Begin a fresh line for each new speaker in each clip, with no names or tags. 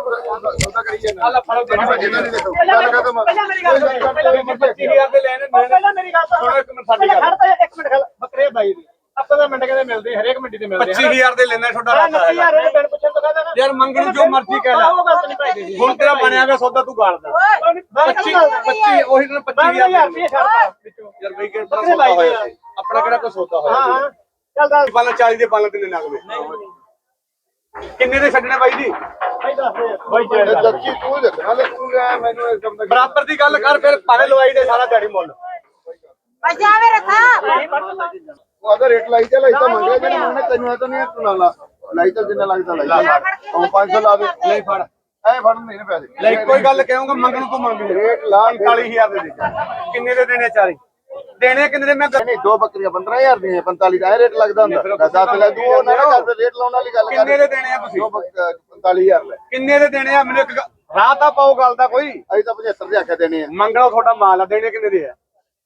ਬੱਕਰੇ ਬਾਈ ਦੀ ਆਪਾਂ ਦਾ ਮਿੰਟ ਕਹਿੰਦੇ ਮਿਲਦੇ ਹਰੇਕ ਮੰਡੀ ਤੇ ਮਿਲਦੇ
25000 ਦੇ ਲੈਣਾ ਤੁਹਾਡਾ ਯਾਰ ਮੰਗਣ ਜੋ ਮਰਜ਼ੀ ਕਹਿ ਲੈ ਹੁਣ ਤੇਰਾ ਬਣਿਆ ਗਿਆ ਸੌਦਾ ਤੂੰ ਗਾਲਦਾ 25 ਉਹੀ ਦਿਨ 25000 ਯਾਰ ਬਈ ਕਿ ਸੌਦਾ ਹੋਇਆ ਆਪਣਾ ਕਿਹੜਾ ਕੋਈ ਸੌਦਾ ਹੋਇਆ
ਹਾਂ ਚੱਲ
ਪਾਲਾ 40 ਦੇ ਪਾਲਾ ਤੇ ਲੱਗਦੇ ਕਿੰਨੇ ਦੇ ਛੱਡਣੇ ਬਾਈ ਜੀ
ਜੱਜੀ ਤੂੰ ਦੇਖਣਾ ਲੱਗੂਗਾ ਮੈਨੂੰ ਇਸ ਕੰਮ ਦਾ
ਬਰਾਬਰ ਦੀ ਗੱਲ ਕਰ ਫਿਰ ਭਾਵੇਂ ਲਵਾਈ ਦੇ ਸਾਰਾ ਦਿਹਾੜੀ ਮੁੱਲ
ਜਾਵੇ ਰੱਖਾ
ਉਹ ਆਦਾ ਰੇਟ ਲਾਈ ਤੇ ਲਾਈ ਤਾਂ ਮੰਗਿਆ ਜੇ ਮੰਗਣੇ ਤੈਨੂੰ ਆ ਤਾਂ ਨਹੀਂ ਤੂੰ ਲਾ ਲਾਈ ਤਾਂ ਜਿੰਨਾ ਲੱਗਦਾ ਲਾਈ ਉਹ 500 ਲਾ ਦੇ
ਨਹੀਂ ਫੜ
ਐ ਫੜ ਨਹੀਂ ਪੈਸੇ
ਲੈ ਕੋਈ ਗੱਲ ਕਹੂੰਗਾ ਮੰਗਣ ਤੋਂ ਮੰਗ
ਰੇਟ ਲਾ
45000 ਦੇ ਦੇ ਕਿੰਨੇ ਦੇ ਦੇਣੇ ਚਾਰੇ ਦੇਣੇ ਕਿੰਨੇ ਦੇ ਮੈਂ
ਨਹੀਂ ਦੋ ਬੱਕਰੀਆਂ 15000 ਦੀਆਂ 45 ਦਾ ਰੇਟ ਲੱਗਦਾ ਹੁੰਦਾ 10 ਲੈ ਦੂ ਉਹ ਨਾ ਕਰ ਰੇਟ ਲਾਉਣ ਵਾਲੀ ਗੱਲ ਕਰ
ਕਿੰਨੇ ਦੇ ਦੇਣੇ ਆ ਤੁਸੀਂ
45000 ਲੈ
ਕਿੰਨੇ ਦੇ ਦੇਣੇ ਆ ਮੈਨੂੰ ਇੱਕ ਰਾਹ ਤਾਂ ਪਾਓ ਗੱਲ ਦਾ ਕੋਈ
ਅਸੀਂ ਤਾਂ 75 ਦੇ ਆਖਿਆ ਦੇਣੇ ਆ
ਮੰਗਣਾ ਤੁਹਾਡਾ ਮਾਲ ਆ ਦੇਣੇ ਕਿੰਨੇ ਦੇ ਆ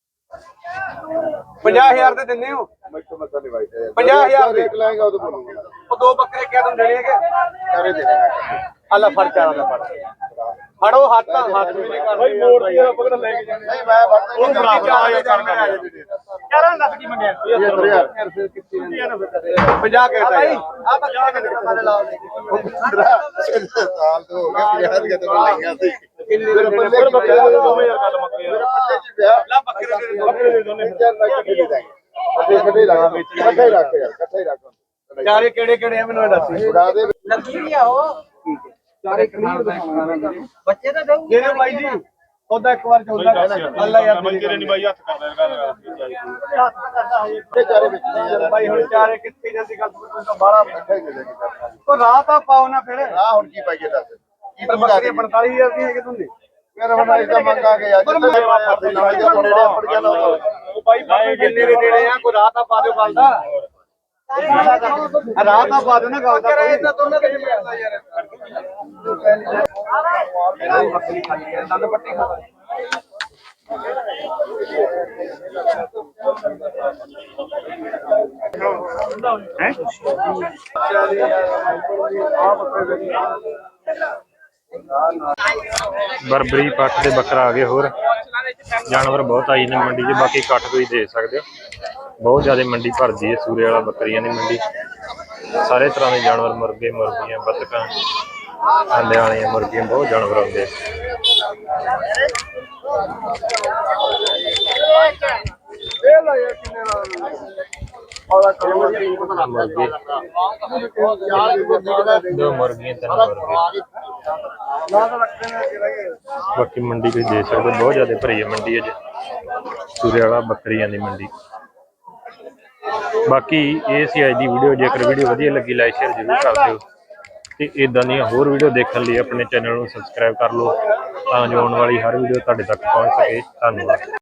50000 ਦੇ ਦਿੰਦੇ ਹੋ
ਮੈਥੋਂ ਮਸਾ ਨਹੀਂ ਵਾਈਦਾ
50000 ਦੇ
ਰੇਟ ਲਾਏਗਾ ਉਹ ਤਾਂ ਬੋਲੂਗਾ
ਉਹ ਦੋ ਬੱਕਰੇ ਕਿਆ ਤੁਹਾਨੂੰ ਦੇਣੇ ਹੈਗੇ
ਕਰੇ ਦੇ ਦੇਣਾ
ਅੱਲਾ ਫੜ ਚਾਰਾ ਦਾ ਫੜ ਫੜੋ ਹੱਥ ਵੀ ਨਹੀਂ ਕਰਦੇ
ਭਾਈ ਮੋੜ ਦੀ ਪਕੜ ਲੈ ਕੇ ਜਾਣੇ
ਨਹੀਂ ਮੈਂ ਵੜਦਾ
ਉਹ ਬਰਾਬਰ ਆ ਕਰ
ਚਾਰਾਂ ਲੱਖ ਕੀ ਮੰਗਿਆ
50 ਕਹਿਤਾ ਆ ਬੱਕਰੇ ਕਿੰਨੇ ਮਾਰੇ ਲਾਓ
ਸਾਲ ਤੋਂ ਹੋ ਗਏ 50 ਦੇ ਤੋਂ ਲਈਆਂ ਸੀ
ਕਿੰਨੇ
ਮੇਰੇ ਪੱਲੇ ਚ ਪਿਆ 2000 ਗੱਲ ਮੁੱਕ ਗਿਆ ਮੇਰੇ ਪੱਲੇ ਚ ਪਿਆ
ਲਾ ਬੱਕਰੇ ਦੇ
ਦੋਨੇ 4 ਲੱਖ ਦੇ ਦਾਂਗੇ ਇਕੱਠੇ ਰੱਖ ਇਕੱਠੇ ਹੀ ਰੱਖ ਯਾਰ ਇਕੱਠੇ ਹੀ ਰੱਖ
ਚਾਰੇ ਕਿਹੜੇ ਕਿਹੜੇ ਆ ਮੈਨੂੰ ਇਹ ਦੱਸ
ਉਡਾ ਦੇ
ਲੱਗੀ ਆ ਉਹ
ਚਾਰੇ ਕਲੀਅਰ ਦਿਖਾਉਣਾ
ਬੱਚੇ ਤਾਂ ਦਊ
ਜਿਹੜੇ ਬਾਈ ਜੀ ਉਹਦਾ ਇੱਕ ਵਾਰ ਚੌਦਾ ਅੱਲਾ ਯਾਰ
ਮੰਜਰੇ ਨਹੀਂ ਬਾਈ ਹੱਥ ਕਰਦਾ
ਤੇ ਚਾਰੇ ਵਿੱਚ ਨੇ ਯਾਰ
ਬਾਈ ਹੁਣ ਚਾਰੇ ਕਿੱਥੇ ਜਾਂਦੀ ਗੱਲ ਤੋਂ ਬਾਹਰ
ਇਕੱਠੇ ਹੀ ਦੇ ਦਾਂਗੇ
ਉਹ ਰਾਹ ਤਾਂ ਪਾਓ ਨਾ ਫਿਰ
ਆ ਹੁਣ ਕੀ ਪਾਈਏ ਦੱਸ ਕੀ
ਪਰ ਬੱਕਰੀ 45000 ਦੀ ਹੈਗੇ ਤੁੰਦੇ
ਮੇਰਾ ਹੁਣ ਇਸ ਦਾ ਮੰਗਾ ਗਿਆ ਜਿੱਥੇ ਨਵਾਂ ਜਿਹਾ ਮੁੰਡੇ ਪੜ ਗਿਆ ਨਾ
ਉਹ ਬਾਈ ਜਿੰਨੇ ਦੇ ਦੇਣੇ ਆ ਕੋਈ ਰਾਹ ਤਾਂ ਪਾ ਦਿਓ ਗੱਲ ਦਾ ਰਾਹ ਤਾਂ ਪਾ ਦਿਓ ਨਾ ਗੱਲ ਦਾ ਕੋਈ ਤਾਂ ਦੋਨਾਂ ਦੇ ਮਿਲਦਾ ਯਾਰ ਬੱਕਰੀ ਖਾਲੀ ਹੈ ਦੰਦ ਪੱਟੀ ਖਾ
ਬਰਬਰੀ ਪੱਟ ਦੇ ਬੱਕਰਾ ਆ ਗਏ ਹੋਰ ਜਾਨਵਰ ਬਹੁਤ ਆਈ ਨੇ ਮੰਡੀ 'ਚ ਬਾਕੀ ਕੱਟ ਕੋਈ ਦੇ ਸਕਦੇ ਹੋ ਬਹੁਤ ਜ਼ਿਆਦਾ ਮੰਡੀ ਭਰਦੀ ਹੈ ਸੂਰੇ ਵਾਲਾ ਬੱਕਰੀਆਂ ਦੀ ਮੰਡੀ ਸਾਰੇ ਤਰ੍ਹਾਂ ਦੇ ਜਾਨਵਰ ਮੁਰਗੇ ਮੁਰਗੀਆਂ ਬੱਤਕਾਂ ਆਂਡੇ ਵਾਲੀਆਂ ਮੁਰਗੀਆਂ ਬਹੁਤ ਜਾਨਵਰ ਆਉਂਦੇ ਦੋ ਮੁਰਗੀਆਂ ਤਿੰਨ ਮੁਰਗੇ ਬਾਕੀ ਮੰਡੀ ਤੁਸੀਂ ਦੇਖ ਸਕਦੇ ਬਹੁਤ ਜ਼ਿਆਦਾ ਭਰੀ ਹੈ ਮੰਡੀ ਅੱਜ ਸੂਰੇ ਵਾਲਾ ਬੱਕਰੀਆਂ ਦੀ ਮੰਡੀ ਬਾਕੀ ਇਹ ਸੀ ਅੱਜ ਦੀ ਵੀਡੀਓ ਜੇਕਰ ਵੀਡੀਓ ਵਧੀਆ ਲੱਗੀ ਲਾਈਕ ਸ਼ੇਅਰ ਜ਼ਰੂਰ ਕਰ ਦਿਓ ਤੇ ਇਦਾਂ ਦੀਆਂ ਹੋਰ ਵੀਡੀਓ ਦੇਖਣ ਲਈ ਆਪਣੇ ਚੈਨਲ ਨੂੰ ਸਬਸਕ੍ਰਾਈਬ ਕਰ ਲਓ ਤਾਂ ਜੋ ਆਉਣ ਵਾਲੀ ਹਰ ਵੀਡੀਓ ਤੁਹਾਡੇ ਤੱਕ ਪਹੁੰਚ ਸਕੇ ਧੰਨਵਾਦ।